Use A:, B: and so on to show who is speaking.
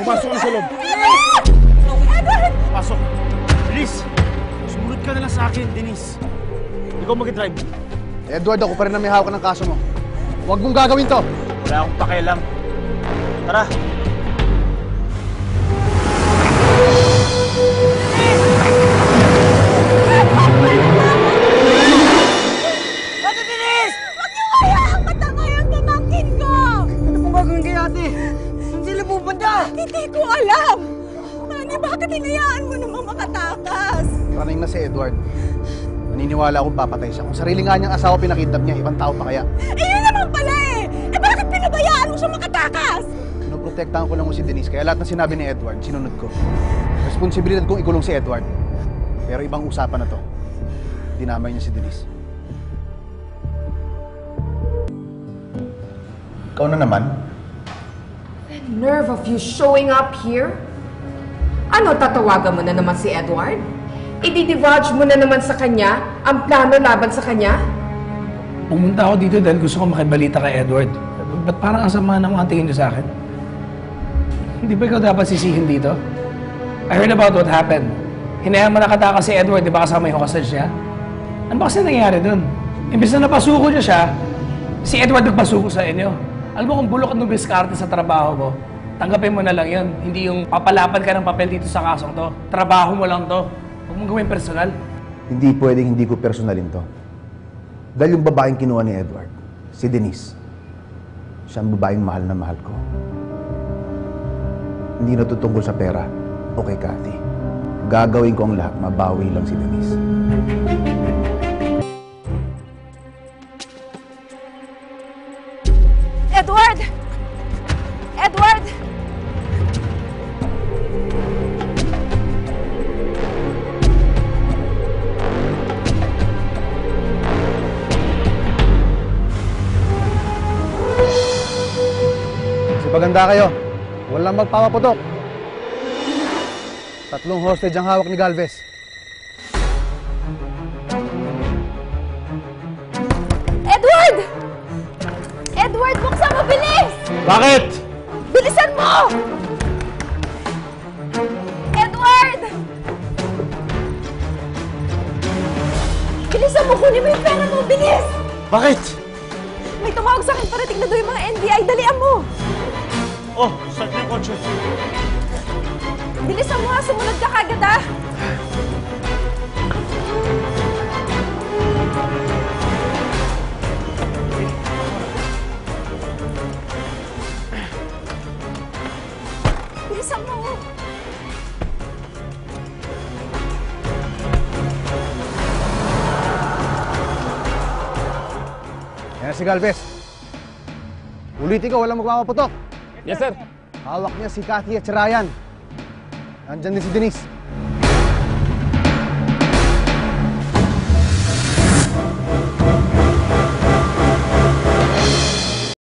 A: Pumasok ka na sa loob.
B: Edward!
A: Pasok. Bilis! Sumunod ka na lang sa akin, Denise. Ikaw mag-drive.
C: Edward, ako pa rin na may hawak ng kaso mo. Huwag mong gagawin to.
A: Wala akong pakialam. Tara.
B: Ate Denise! Huwag niyo kayaan matanga yung pamangkin ko!
D: Ano pong gagawin kay ate? Saan sila pupunta?
B: Hindi ko alam! Manny, bakit hinayaan mo namang makatakas?
C: Running na si Edward. Naniniwala akong papatay siya. Kung sarili nga niyang asawa pinakidnap niya, ibang tao pa kaya?
B: Eh, yun naman pala eh! Eh, bakit pinabayaan mo siya makatakas?
C: Pinoprotektahan ko lang mo si Denise, kaya lahat ng sinabi ni Edward, sinunod ko. Responsibilidad kong ikulong si Edward. Pero ibang usapan na to. Dinamay niya si Denise. Ikaw na naman?
E: The nerve of you showing up here? Ano, tatawagan mo na naman si Edward? I-divulge mo na naman sa kanya ang plano laban sa kanya?
F: Pumunta ako dito dahil gusto ko makibalita kay Edward. Ba't parang ang sama ng mga tingin niyo sa akin? Hindi ba ikaw dapat sisihin dito? I heard about what happened. Hinayang mo nakatakas si Edward, di ba kasama yung hostage niya? Ano ba kasi nangyayari dun? Imbis na napasuko niya siya, si Edward nagpasuko sa inyo. Alam mo kung bulok at nubiskarte sa trabaho mo, tanggapin mo na lang yun. Hindi yung papalapan ka ng papel dito sa kasong to. Trabaho mo lang to. Huwag mong gawin personal.
C: Hindi pwedeng hindi ko personalin to. Dahil yung babaeng kinuha ni Edward, si Denise, siya ang babaeng mahal na mahal ko. Hindi natutungkol sa pera o kay Cathy. Gagawin ko ang lahat, mabawi lang si Denise.
B: Edward! Edward!
C: Paganda kayo, walang magpapaputok. 3 hostage ang hawak ni Galvez.
B: Edward! Edward, buksan mo, bilis!
A: Bakit?
B: Bilisan mo! Edward! Bilisan mo, kunin mo yung pera mo, bilis!
A: Bakit?
B: May tumawag sa akin, parating na daw yung mga NBI, dalian mo!
A: Oh, start na yung kotse.
B: Bilisan mo ha, sumunod ka kagad ha! Bilisan mo!
C: Yan si Galvez. Ulitin ko, walang magpapaputok.
A: Yes, sir.
C: Hawak niya si Cathy at si Ryan. Nandyan din si Denise.